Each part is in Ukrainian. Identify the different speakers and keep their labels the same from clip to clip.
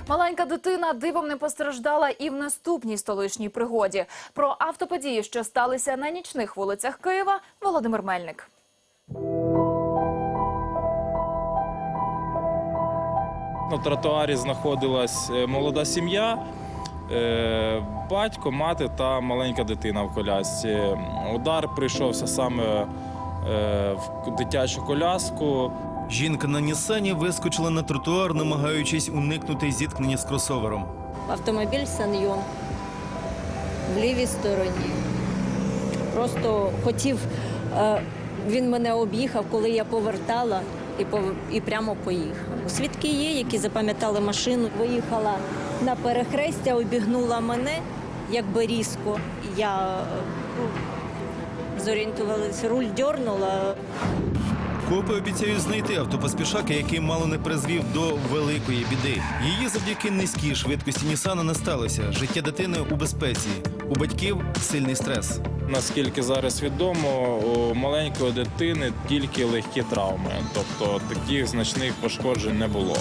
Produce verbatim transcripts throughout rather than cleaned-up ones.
Speaker 1: Маленька дитина дивом не постраждала і в наступній столичній пригоді. Про автоподії, що сталися на нічних вулицях Києва, Володимир Мельник.
Speaker 2: На тротуарі знаходилась молода сім'я, батько, мати та маленька дитина в колясці. Удар прийшовся саме в дитячу коляску.
Speaker 3: Жінка на Нісані вискочила на тротуар, намагаючись уникнути зіткнення з кросовером.
Speaker 4: Автомобіль Саньйон в лівій стороні. Просто хотів, він мене об'їхав, коли я повертала, і, пов... і прямо поїхав. Свідки є, які запам'ятали машину. Виїхала на перехрестя, обігнула мене, якби різко. Я ну, зорієнтувалася, руль дьорнула.
Speaker 3: Копи обіцяють знайти автопоспішака, який мало не призвів до великої біди. Її завдяки низькій швидкості Нісана не сталося. Життя дитини у безпеці. У батьків сильний стрес.
Speaker 2: Наскільки зараз відомо, у маленької дитини тільки легкі травми. Тобто таких значних пошкоджень не було.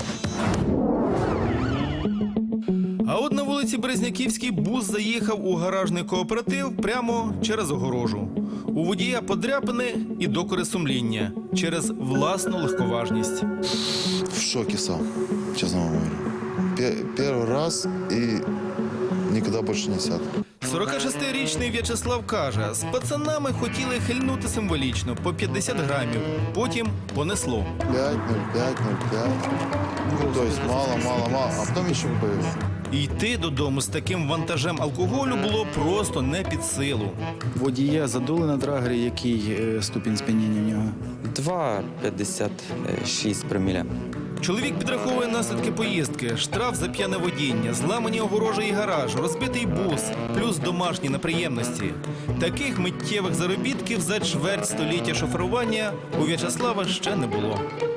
Speaker 3: А от на вулиці Березняківській бус заїхав у гаражний кооператив прямо через огорожу. У водія подряпини і докори сумління через власну легковажність.
Speaker 5: В шоке сам, честно вам говорю. Первый раз и никогда больше не сяду.
Speaker 3: сорокашестирічний В'ячеслав каже, з пацанами хотіли хильнути символічно по п'ятдесят грамів, потім понесло.
Speaker 5: пять, ноль пять, ноль пять. Ну, то есть мало, мало, мало, а потом еще появилось.
Speaker 3: Йти додому з таким вантажем алкоголю було просто не під силу.
Speaker 6: Водія задули на драгері, який е, ступінь сп'яніння в нього?
Speaker 7: два п'ятдесят шість проміля.
Speaker 3: Чоловік підраховує наслідки поїздки, штраф за п'яне водіння, зламані огорожі і гараж, розбитий бус, плюс домашні неприємності. Таких миттєвих заробітків за чверть століття шоферування у В'ячеслава ще не було.